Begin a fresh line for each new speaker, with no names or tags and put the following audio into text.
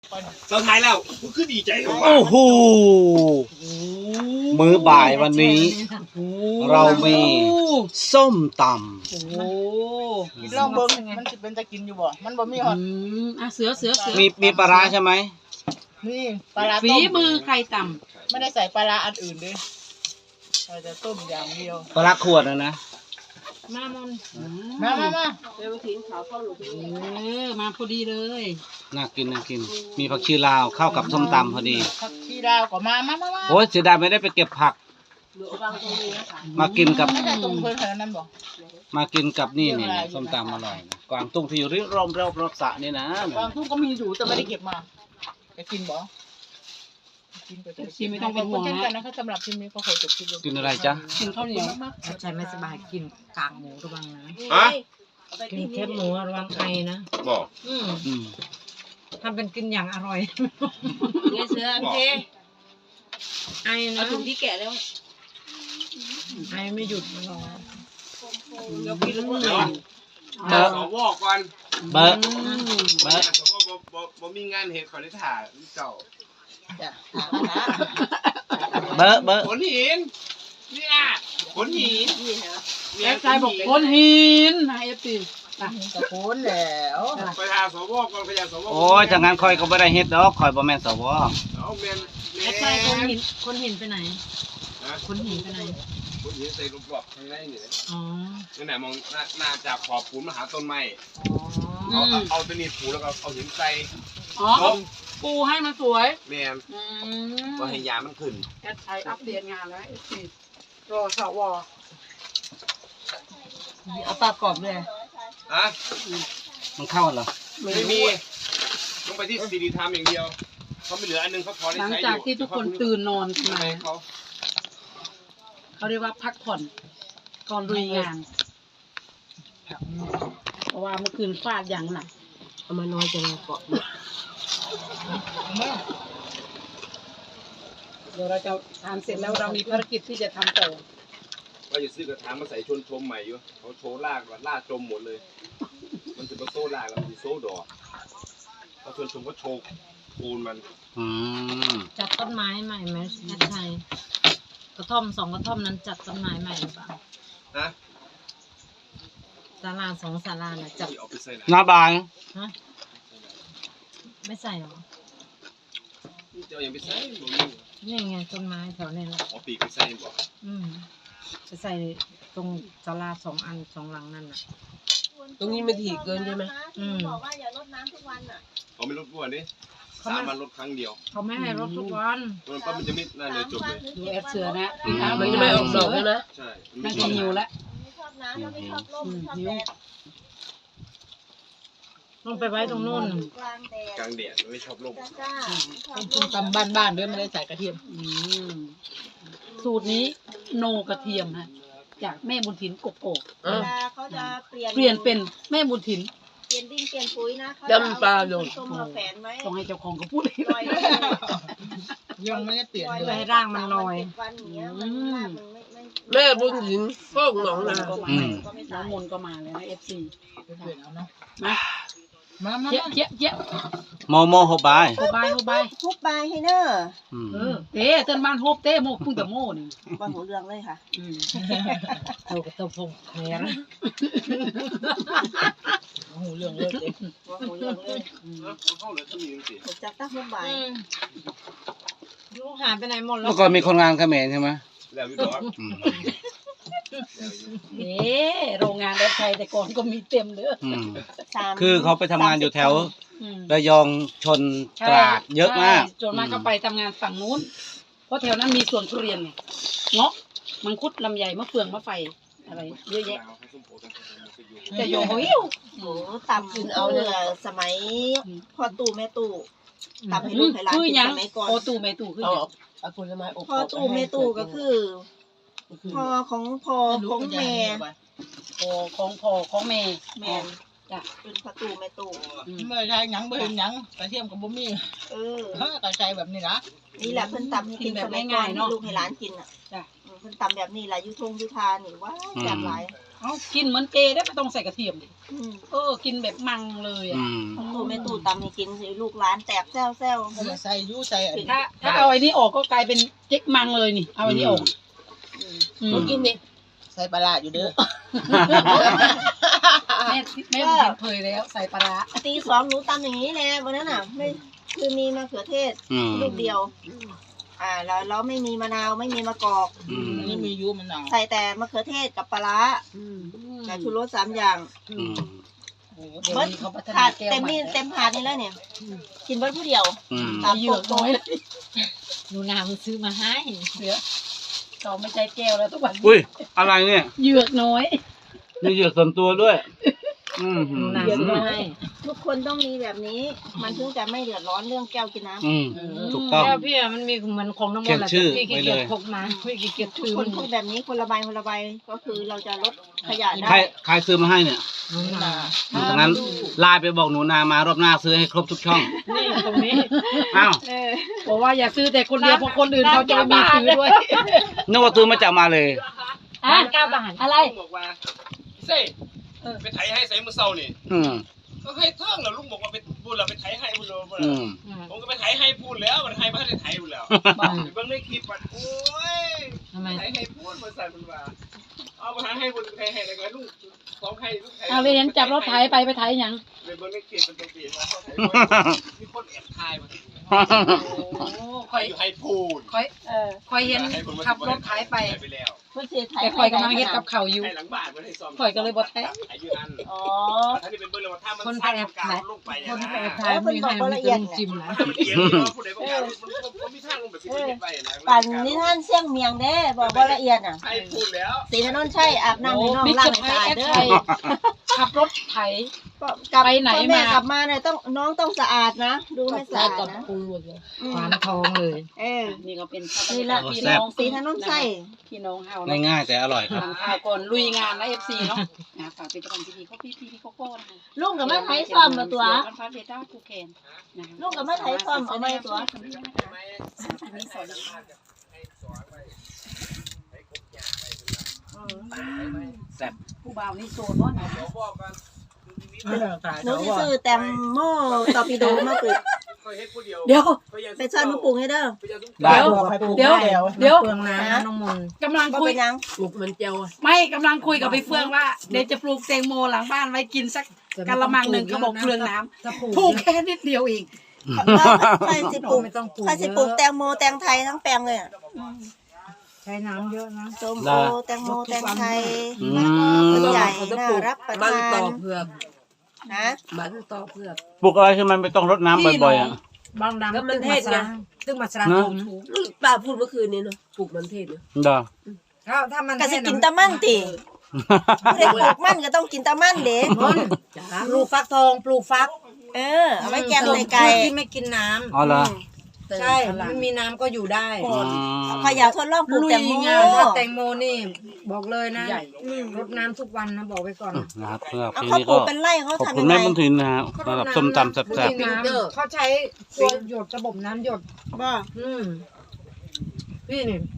เราทายแล้วมันคือดีใจของ
โอ้โหมื้อบ่ายวันนี้ เรามีส้มต
โอ้โห
ลองเบิ่งมันสิเป็นจะกินอยู่บ่มันบ่มีฮอด
อ่ะเสือ
ำมีปลาร้าใช่ไหม
นี่ปลาร้า
ฝี
ต้ม
มือใครต่
ไม่ได้ใส่ปลาร้าอันอื่นด้วยเราจะต้มอย่างเดียว
ปลาร้าขวดนะ
ำมามอน
มา
มาพอดีเลย
น่ากินมีผักชีลาวเข้ากับส้มตำพอดี
ผักชีดาวก็มา
โอ้ยเสียดายไม่ได้ไปเก็บผัก มากินกับ
ไม่ได้ตรงเพิ่นเท่านั้นบ่
มากินกับนี่ส้มตำอร่อยนะกวางตุ้งที่อยู่ริมรอบสระนี่นะ
บางทุ่งก็มีอยู่แต่ไม่ได้เก็บมาจะกินบ่กินไป
ชิมไม่ต้องเป็นห่วง
เช่น
นะ
กันนะคะสำหรับทีมนี้ก็ขอจบคลิปลง
กินอะไรจ๊ะ
กินข้าวเหนียว
ถ้าใจไม่สบายกินกากหมูระวังนะ
ฮะ
กินแคบหมูระวังไอนะ
บอก
อืม
ทำเป็นกินอย่างอร่อย
เงี้ยเสือโอเค
ไอ
เอา
นะ
ถุงที่แกะแล้ว
ไอไม่หยุดมันรอ
เดี๋ยวกินแล้วก็
เดี๋ยว
เบอร์
สวก่อน
เบอร์เบอร์
สวบ่มีงานเหตุขอได้ถ่ายเจ้า
จ้ะ
เบอร์
ขนหินเนี่ยขนหิน
แอฟใจบอกคนหินนะเอฟซี
ตะโกนแล้ว
ไปหาสวก่อนไปหาสว
โอ้ยถ้างั้นคอยก็ไม่ได้เฮ็ดดอกคอยบ่แม่นสว
เอาแมน
แอดใจคนหินไปไหน
นะ
คนหินไปไหน
ขนหินใส่ลูกกรอกข้างในนี่
อ๋อ
นั่นแหละมองหน้าจากขอบปูนมาหาต้นไม้
อ๋อ
เอาตัวนี้ปูแล้วก็เอาหินใส่
อ๋อปูให้มันสวย
แมนก็ให้ยามันขึ้น
แอดไทยอัปเดตงานแล้วเอฟซีรอสว
เอาปลากรอบเลย
อะ
มันเข้าเหรอ
ไม่มีต้องไปที่ซีดีไทม์อย่างเดียวเขาไม่เหลืออันนึงเขาพอได้
หลัง
ใช้อยู่
จากที่ทุกคนตื่นนอนขึ้นมา
ให้เขา
เขาเรียกว่าพักผ่อนก่อนลุยงาน เพราะว่าเมื่อคืนฟาดอย่างหนัก
เอามาน้อยจังเกาะ
เดี๋ยวเราจะทานเสร็จแล้วเรามีภารกิจที่จะทำต่อ
ว่าจะซื้อกระถางมาใส่ชนชมใหม่อยู่เขาโชว์ลากว่าลากจมหมดเลย มันจะมาโซ่ลากแล้วมันจะโซ่ดอกแล้วชนชมก็โชว์ปูนมัน
อืม
จัดต้นไม้ใหม่ไหมแอดใจกระท่อม2 กระท่อมนั้นจัดต้นไม้ใหม่หรือเปล่า
นะ
ศาลา2 ศาลาน่ะจัด
ที่เอาไปใส่ไหน
หน้าบาง
ฮะไม่ใส่หรอ
เจ้ายังไปใส่บ่มี
นี่ไงต้นไม้แถวนี้แหละ
เอาปีกไปใส่บ่
จะใส่ตรงศาลา2 อัน 2 หลังนั่นน่ะ
ตรงนี้มันถี่เกินใช่ไหม
บอกว่าอย่ารดน้ำทุกวันอ่ะ
เขาไม่ลดบ้วนดิ3 วันลดครั้งเดียว
เขาไม่ให้รถทุกวัน
มันปั๊บมันจะไม่น่าเลยจบเลย
ดูแอดเสือนะ
มันจะไม่ออกดอกใช่ไหม
ใช่
น่าจะหิวแล้ว
ไม่ชอบน้ำถ้าไม่ชอบร่มชอบแดด
ต้องไปไว้ตรงนู้น
กลางแดด
กลางแดดไม่ชอบลม
จ้าชอบ
กินตำบ้านๆด้วยไม่ได้ใส่กระเทียม
สูตรนี้โนกระเทียมฮะจากแม่บุญถินกกอก
เวลาเขาจะเปลี่ยน
เปลี่ยนเป็นแม่บุญถิน
เปลี่ยนดินเปลี่ยนปุ๋ยนะเขาจะเอาต้มมาแฝนไว้
ต้องให้เจ้าของเขาพูดเอง
ปล่อยไว้เลย
ยังไม่ได้เปลี่ยน
ปล่อย
เล
ไว้
ย
ให้ร่างมันลอย
7 วันอย่างเงี้ยมันรากมันไม่
แม่บุญหญิงโป้งหนองนา
ก็มา
ก็ไม่
น้อ
ตาง ย
มนก็มาแล้วนะเอฟซี
เปลี่ยนเอาเนาะ
มา
มา
เจ๊ะเจ๊ะเจ๊ะ
โมโมโฮบาย
โฮบายโฮบาย
ทุบบายให้เนอร์
อืม
เต้เต้นบ้านโฮบเต้โมพุ่งแต่โมนี่
บอลหัวเรืองเลยค่ะ
เท่ากับเท่าพงแขน
หูเรื่องเลย
บอลหัวเรืองเลย
เข้าเลยถ้ามีจริง
จากตั้งทุบบาย
ลูกหายไปไหนหมดแล้
เมื่
ว
อก่อนมีคนงานเขมรใช่ไหม
ๆแล้วพี่ดอก
อืม
เอ๊โรงงานรถไฟแต่ก่อนก็มีเต็มเด้อ
อืม
3
คือเขาไปทำงานอยู่แถว
อืม
ระยองชนตราดเยอะมาก
ใช่ส่วนมากก็ไปทำงานฝั่งนู้น เพราะแถวนั้นมีสวนทุเรียนไงเงาะมังคุดลำไยมะเฟืองมะไฟอะไรเยอะแยะแต่โยโหหิว
โอ้ตำกินเอาเลยอะสมัยพ่อตู่แม่ตู่ตำให้ลูกให้หลาน
คือ
กิน
ยัง
สมัยก่อน
โอตูเมตูคือหยัง
เอาผลไม้อบ
พ่อตู่แม่ตู่ก็คือพ่อของพ่อของแม่
ของพ่อของแม่
แม่น
จ้ะ
เป็นพ่อตู่แม่ตู่
ไม่ได้หยังบ่เห็นหยังกระเทียมกับบ่มี
เออ
กระใจแบบนี้นะ
นี่แหละเพิ่นตำให้กินสมัยก่อนให้ลูกให้หลานกินอ่ะ
จ้ะ
เพิ่นตำแบบนี้แหละยุทงยุทานี่ว่าแซ่บหลาย
เอ้ากินเหมือนเจได้ไม่ต้องใส่กระเทียมดิ
อืม
กินแบบมังเลยอ่ะ
พ่อตู่แม่ตู่ตำให้กินสิลูกหลานแตกแซว
ก็มาใส่ยูใส่อันนี้
ถ้าเอาไอ้นี่ออกก็กลายเป็นเจ๊กมังเลยนี่ เอาไอ้นี่ออกอืม
กินดิ
ใส่ปลาร้าอยู่เด้อ
แม่ผมเห็นเผยแล้วใส่ปลาร้า
ๆตี2หนูตำอย่างนี้แหละวันนั้นน่ะไม่คือมีมะเขือเทศลูกเดียวแล้วไม่มีมะนาวไม่มีมะกอก
อันนี้มียูมันหนาว
ใส่แต่มะเขือเทศกับปลาร้ากับชูรส3อย่าง
โอ้โหเดี๋ยวนี้เขาพัฒนา
ถาด
แก้ว
เต็ม
ใหม่
นี่เต็มถาดนี่แล้วเนี่ยกินเบิดผู้เดียว
ตามเหยือกน้อยเลย
หนูนามันซื้อมาให้
เหลือเราไม่ใช่แก้วแล้วทุกวัน
อุ้ยอะไรเนี่ย
เหยือกน้อย
มีเหยือกส่วนตัวด้วย
หนูนาซื้อมาให้
ทุกคนต้องมีแบบนี้ มันถึงจะไม่เดือดร้อนเรื่องแก้วกินน้ำ
ถูกต้อง
แล้วพี่อะมันมีเหมือนของน้ำมันแหละ
เขียนชื่อ
พี่ขี้
ไว้
เกียจ
เลย
พกมาพี่ขี้เกียจ
ทุ
ถื
ก
อ
ค
มัน น
พูดแบบนี้คนละใบก็คือเราจะลดขยะ
ใคร
ได้
ใครซื้อมาให้เนี่ย
หนูนา
ดังนั้นไลน์ไปบอกหนูนามารอบหน้าซื้อให้ครบทุกช่อง
นี่ตรงนี้
อ้าว
บอกว่าอย่าซื้อแต่คนเดียวเพราะคนอื่นเขาจะไม่มีซื้อด้วย
นึกว่าซื้อมาจากมาเลย
บ้าน9 บาท
อะไร
ลุงบอกว่าเซ่ไปไถให้ใส่มือเศร้านี่
อืม
ก็ให้เทิงแล้วลุงบอกว่าไปบุญเราไปไถให้บุญเรา
อืม
ผมก็ไปไถให้พูดแล้วมันไถไม่ได้ไถบุญแล้วเบิ่งในคลิปมันโอ้ย
ทำไม
ไถให้พูดมาใส่บุญว่าเอาไปให้บุญไถให้แล้วก็ลุงของให้ลุงไถ
เอาเลยเห็นจับรถไถไปไถหยัง
เบิ่งในคลิปมันตรงตีมาเขาไถมีคนแอบถ่ายมา
โอ้คอย
อยู่ให้พูด
คอยเห็นขับรถไถไป
ไปแล้ว
เพื่อเสียไทย
แต่คอยกำลังเฮ็ดกับเขาวอยู่
ให้หลังบ้านมันให้ซ่อม
ข่อยก็เลยบ่แท้
อายุอัน
อ๋อ
ท่านนี่เป็นเบิ่งเลยว่าถ้ามัน
คนไป
สร้าง
แอบ
กา
ถ่าย
รลงไป
คนไปแอบ
นะ
ถ่ายมีให้มันเป็นจิ้มนะ
มันเอียงอยู่ว่าผู้ใดบ่กล้ามันมีทางลงแบบที่ไม่เห็นไปนะ
ปั่นนิทานเสี่ยงเมียงเด้บอกว่าละเอียดอ่ะ
ให้พูดแล้ว
สีถนนใช่อาบน้ำให้น้อง
บิ๊ก
ล้าง
จะ
ให้
ไถ
สะอาด
แอด
เด้
ไท
อย
ขับรถไถ ไปไหน
พ่อแม่
มา
กลับมาเนี่ยน้องต้องสะอาดนะ ดูให้สะอาดนะ
หวานทองเลย
นี่ก็เป็น
นี่ละ
พี่น้อง
สีถนนใช่
พี่น้องเฮาเนาะ
ง่ายๆแต่อร่อยครับ
ทานข้าวก่อนลุยงานนะ FC เนาะฝากเป็นกำลังใจดีพี่โกโก้นะคะ
ลุงกับแม่ไทยซ่อมมาตัว
กันฟ้าเบต้าคูเคนนะคะ
ลูกกับแม่ไทยซ่อมเอาไว้ตัว
อันนี้สอน
แซ่บ
ผู้บ่าวนี่โซนเนาะ
หนูจะซื้อแตงโมตอร์ปิโดมาปลูก
เดี๋ยว
ไปซ่อนมาปลูกให้เด้อ
ได้
เดี๋ยวเดี๋ยว
เปลืองน้ำนะน้องมนต์
กำลัง
ก็
คุย
เป็นยัง
ปลูกมันเจียว
ไม่กำลังคุยกับพี่เฟื่องว่าเดี๋ยวจะปลูกแตงโมหลังบ้านไว้กินสักกะละมังหนึ่งก็บอกเปลืองน้ำปลูกแค่นิดเดียวเอง
ใช่สิปลูก
ไม่ต้องปลูก
ใช่สิปลูกแตงโมแตงไทยทั้งแปลงเลยอะ
ใช้น้ำเยอะนะ
ส้มโอแตงโมแตงไทย
อื
ต้น
ม
ใหญ่
เขาจะ
น่า
ปลูก
รับประ
มัน
ทา
ต่อน เผือก
นะ
มันต่อเผือก
ปลูกอะไรที่มันไม่ต้องรดน้ำบ่อยๆอ่ะ
บางดำ
แล้วมันเทศไง
ตึ้งมาสระผม
ป้าพูดเมื่อคืนนี้เนาะปลูกมันเทศเนาะ
เด้อ
ถ้ามัน
ก็สิกินตะมั่นติผู้ใดปลูกมั่นก็ต้องกินตะมั่นเด้
จ้า
ปลูกฟักทองปลูกฟัก
เอาไว้แกงใส่ไก่
ที่ไม่กินน้ำ
อ๋อเหรอ
ใช่มันมีน้ำก็อยู่ได้
อืม
พยาทดลองปลูก
ลุย
แตงโม
งานว่าแตงโมนี่บอกเลยนะรดน้ำทุกวันนะบอกไว้ก่อน
นะครับสำหรับ
เอา
ที
เขา
นี้
ปลู
ก็
กเป็นไร่เขา
ขอบ
ทำ
คุ
ยั
ณ
งไง
แม่บุญทินนะฮะสำหรับส้มตำแซ่บ
เขาใช้ตัวหยดระบบน้ำหยด
บ่
พี่นี่